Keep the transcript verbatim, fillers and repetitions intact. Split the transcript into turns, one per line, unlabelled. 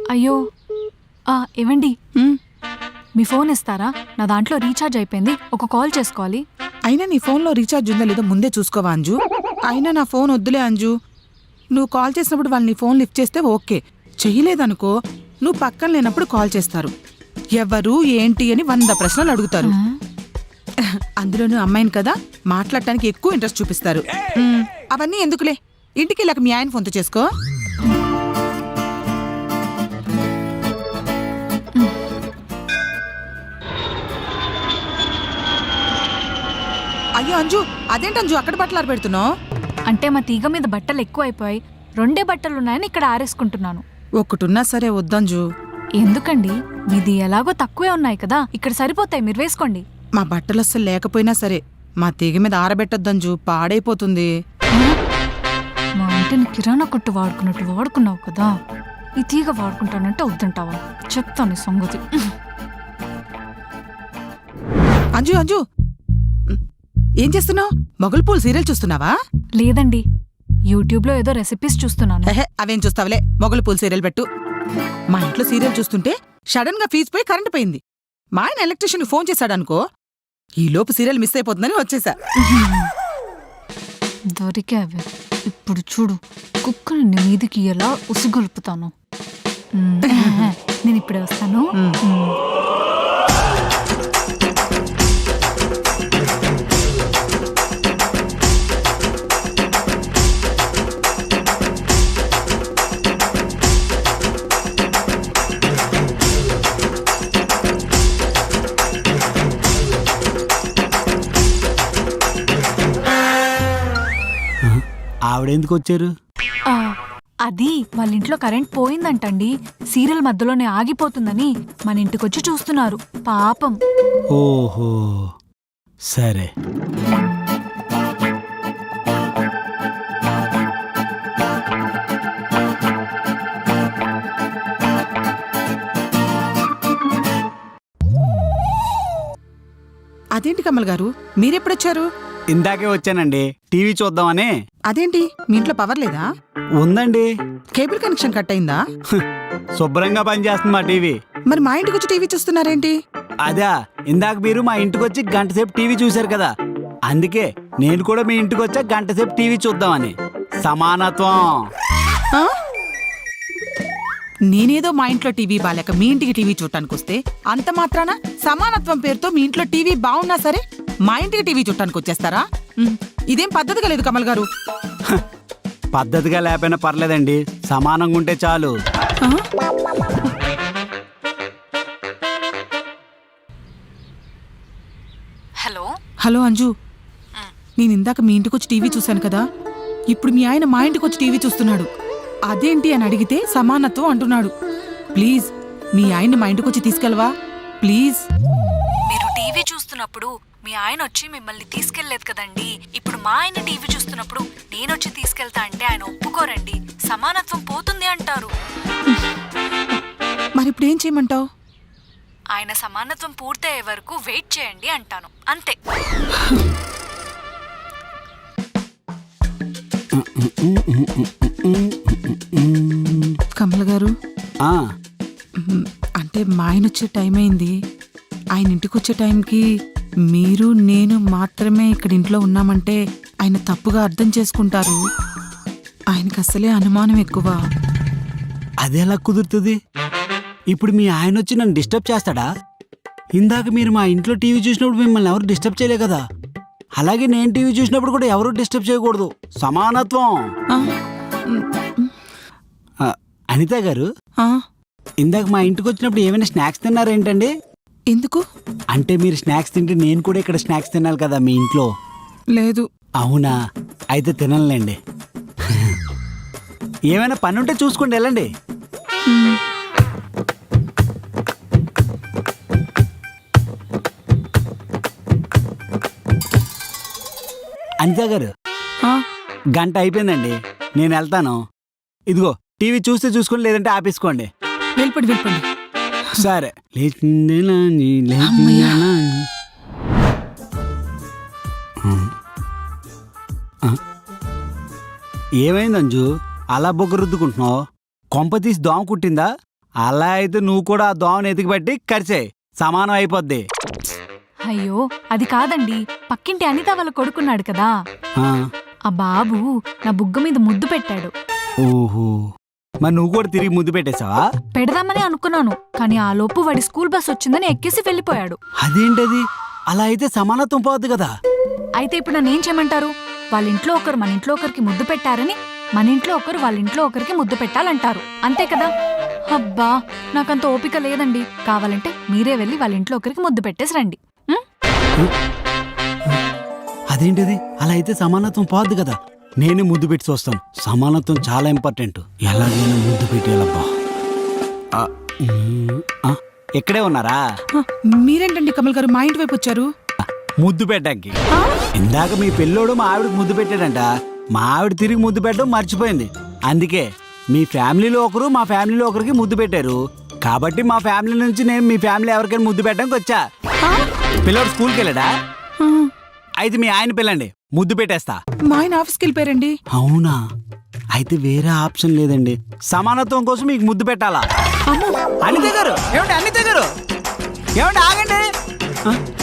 అయ్యో ఆ, ఏవండి
ఉమ్,
మీ ఫోన్ ఇస్తారా? నా దాంట్లో రీఛార్జ్ అయిపోయింది, ఒక కాల్ చేసుకోవాలి.
అయినా నీ ఫోన్లో రీఛార్జ్ ఉందో లేదో ముందే చూసుకోవా అంజు. అయినా నా ఫోన్ వద్దులే అంజు. నువ్వు కాల్ చేసినప్పుడు వాళ్ళు నీ ఫోన్ లిఫ్ట్ చేస్తే ఓకే, చెయ్యలేదనుకో నువ్వు పక్కన లేనప్పుడు కాల్ చేస్తారు. ఎవరు ఏంటి అని వంద ప్రశ్నలు అడుగుతారు. అందులోనూ అమ్మాయిని కదా, మాట్లాడటానికి ఎక్కువ ఇంట్రెస్ట్ చూపిస్తారు. ఉమ్, అవన్నీ ఎందుకులే, ఇంటికి వెళ్ళాక మీ ఆయన ఫోన్తో చేసుకో. అయ్యో అంజు, అదేంటి అంజు అక్కడ బట్టలు ఆరబెడుతున్నావు?
అంటే మా తీగ మీద బట్టలు ఎక్కువ అయిపోయాయి, రెండే బట్టలున్నాయని ఇక్కడ ఆరేసుకుంటున్నాను.
ఒక్కటున్నా సరే వద్దంజు.
ఎందుకండి, మీది ఎలాగో తక్కువే ఉన్నాయి కదా, ఇక్కడ సరిపోతాయి, మీరు వేసుకోండి.
మా బట్టలు అస్సలు లేకపోయినా సరే మా తీగ మీద ఆరబెట్టొద్దంజు, పాడైపోతుంది.
మా ఇంటిని కిరాణా కొట్టు వాడుకున్నట్టు వాడుకున్నావు కదా, ఈ తీగ వాడుకుంటానంటే వద్దంటావా? చెప్తాను ఈ సంగతి.
అంజు అంజు ఏం చేస్తున్నావు? మొగలు పూలు సీరియల్ చూస్తున్నావా?
లేదండి, యూట్యూబ్లో ఏదో రెసిపీస్ చూస్తున్నాను.
హెహె, అవేం చూస్తావులే, మొగలు పూలు సీరియల్ పెట్టు. మా ఇంట్లో సీరియల్ చూస్తుంటే సడన్ గా ఫీజు పోయి కరెంట్ పోయింది. మా ఆయన ఎలక్ట్రీషియన్ ఫోన్ చేశాడనుకో, ఈ లోపు సీరియల్ మిస్ అయిపోతుందని వచ్చేసా.
దొరికావే, ఇప్పుడు చూడు కుక్కని నీ మీదికి ఎలా ఉసిగొలుపుతాను. నేను ఇప్పుడే వస్తాను.
ఆవిడెందుకు వచ్చారు?
ఆ, అది వాళ్ళ ఇంట్లో కరెంట్ పోయిందంటండి, సీరియల్ మధ్యలోనే ఆగిపోతుందని మన ఇంటికొచ్చి చూస్తున్నారు పాపం.
ఓహో సరే.
అదేంటి కమల్ గారు, మీరెప్పుడొచ్చారు?
ఇందాకే వచ్చానండి, టీవీ చూద్దామని.
అదేంటి మీ ఇంట్లో పవర్ లేదా?
ఉందండి,
కేబుల్ కనెక్షన్ కట్ అయిందా?
శుభ్రంగా పనిచేస్తుంది మా టీవీ.
మరి మా ఇంటికి వచ్చి టీవీ చూస్తున్నారేంటి?
అదా, ఇందాక మీరు మా ఇంటికి వచ్చి గంట సేపు టీవీ చూశారు కదా, అందుకే నేను కూడా మీ ఇంటికి వచ్చా గంట సేపు టీవీ చూద్దామని. సమానత్వం.
ఆ? నేనేదో మా ఇంట్లో టీవీ బాలేక మీ ఇంటికి టీవీ చూడటానికి వస్తే అంత మాత్రాన సమానత్వం పేరుతో మీ ఇంట్లో టీవీ బాగున్నా సరే మా ఇంటికి టీవీ చూడటానికి వచ్చేస్తారా? ఉమ్, ఇదేం పద్ధతిగా లేదు కమల్ గారు.
పద్ధతిగా లేకపోయినా పర్లేదండి, సమానంగా ఉంటే చాలు.
ఆ?
హలో
హలో అంజు, నేను ఇందాక మీ ఇంటికి వచ్చి టీవీ చూశాను కదా, ఇప్పుడు మీ ఆయన మా ఇంటికి వచ్చి టీవీ చూస్తున్నాడు. అదేంటి అని అడిగితే సమానత్వం అంటున్నాడు. ప్లీజ్ మీ ఆయన్ని మా ఇంటికి వచ్చి తీసుకెళ్ళవా ప్లీజ్.
మీరు టీవీ చూస్తున్నప్పుడు మీ ఆయన వచ్చి మిమ్మల్ని తీసుకెళ్లేదు కదండి, ఇప్పుడు మా ఆయన టీవీ చూస్తున్నప్పుడు నేనొచ్చి తీసుకెళ్తా అంటే ఆయన ఒప్పుకోరండి, సమానత్వం పోతుంది అంటారు.
మరి ఇప్పుడు ఏం చేయమంటావు?
ఆయన సమానత్వం పూర్తయ్యే వరకు వెయిట్ చేయండి అంటాను, అంతే.
కమల్ గారు,
ఆ
మ్, అంటే మా ఆయన వచ్చే టైం అయింది. ఆయన ఇంటికి వచ్చే టైంకి మీరు నేను మాత్రమే ఇక్కడ ఇంట్లో ఉన్నామంటే ఆయన తప్పుగా అర్థం చేసుకుంటారు. ఆయనకు అసలే అనుమానం ఎక్కువ.
అదెలా కుదురుతుంది? ఇప్పుడు మీ ఆయన వచ్చి నన్ను డిస్టర్బ్ చేస్తాడా? ఇందాక మీరు మా ఇంట్లో టీవీ చూసినప్పుడు మిమ్మల్ని ఎవరు డిస్టర్బ్ చేయలే కదా, అలాగే నేను టీవీ చూసినప్పుడు కూడా ఎవరు డిస్టర్బ్ చేయకూడదు. సమానత్వం.
ఆ, మ్,
ఆ, అనిత గారు,
ఆ,
ఇందాక మా ఇంటికి వచ్చినప్పుడు ఏమైనా స్నాక్స్ తిన్నారేంటండి?
ఎందుకు?
అంటే మీరు స్నాక్స్ తింటే నేను కూడా ఇక్కడ స్నాక్స్ తినాలి కదా మీ ఇంట్లో.
లేదు.
అవునా, అయితే తినలేండి. ఏమైనా పని ఉంటే చూసుకోండి, వెళ్ళండి.
మ్,
అనిత గారు,
ఆ,
గంట అయిపోయిందండి, నేను వెళ్తాను. ఇదిగో టీవీ చూస్తే చూసుకోండి, లేదంటే ఆపేసుకోండి.
వెళ్ళిపోండి వెళ్ళిపోండి.
సరే.
అమ్మయ్య.
ఏమైంది అంజు, అలా బొగ్గ రుద్దుకుంటున్నావు? కొంప తీసి దోమ కుట్టిందా? అలా అయితే నువ్వు కూడా ఆ దోమను ఎతికి పట్టి కరిచే సమానం అయిపోద్ది.
అయ్యో అది కాదండి, పక్కింటి అనిత వాళ్ళ కొడుకున్నాడు కదా,
ఆ,
ఆ బాబు నా బుగ్గ మీద ముద్దు పెట్టాడు.
ఓహో, మరి నువ్వు కూడా తిరిగి ముద్దు పెట్టేశావా?
పెడదామని అనుకున్నాను, కానీ ఆ లోపు వాడి స్కూల్ బస్ వచ్చిందని ఎక్కేసి వెళ్ళిపోయాడు.
అదేంటది? అలా అయితే సమానత్వం పోద్ది కదా.
అయితే ఇప్పుడు నన్ను ఏం చేయమంటారు? వాళ్ళ ఇంట్లో ఒకరు మన ఇంట్లో ఒకరికి ముద్దు పెట్టారని మన ఇంట్లో ఒకరు వాళ్ళ ఇంట్లో ఒకరికి ముద్దు పెట్టాలంటారు, అంతే కదా? అబ్బా నాకంత ఓపిక లేదండి. కావాలంటే మీరే వెళ్ళి వాళ్ళ ఇంట్లో ఒకరికి ముద్దు పెట్టేసి రండి. ఉం?
అదేంటిది? అలా అయితే సమానత్వం పోద్ది కదా. నేనే ముద్దు పెట్టి చూస్తాను. సమానత్వం చాలా ఇంపార్టెంట్. ఎలాగైనా ముద్దు పెట్టేయాలబ్బా. ఆ, ఉమ్, ఆ, ఇక్కడే ఉన్నారా?
ఆ, మీరేంటండి కమల్ గారు మా ఇంటి వైపు వచ్చారు?
ముద్దు పెట్టడానికి. ఇందాక మీ పిల్లోడు మా ఆవిడకి ముద్దు పెట్టాడంట. మా ఆవిడ తిరిగి ముద్దు పెట్టడం మర్చిపోయింది. అందుకే మీ ఫ్యామిలీలో ఒకరు మా ఫ్యామిలీలో ఒకరికి ముద్దు పెట్టారు. కాబట్టి మా ఫ్యామిలీ నుంచి నేను మీ ఫ్యామిలీ ఎవరికైనా ముద్దు పెట్టడానికి వచ్చా. పిల్లోడు స్కూల్కి వెళ్ళాడా?
ఆ,
అయితే మీ ఆయన పిల్లండి, ముద్దు పెట్టేస్తా.
మా ఆయన ఆఫీస్కి వెళ్ళిపోయారండి.
అవునా? అయితే వేరే ఆప్షన్ లేదండి. సమానత్వం కోసం మీకు ముద్దు పెట్టాలా? అనిత గారు, ఏమండి అనిత గారు, ఏమండి ఆగండి. ఆ,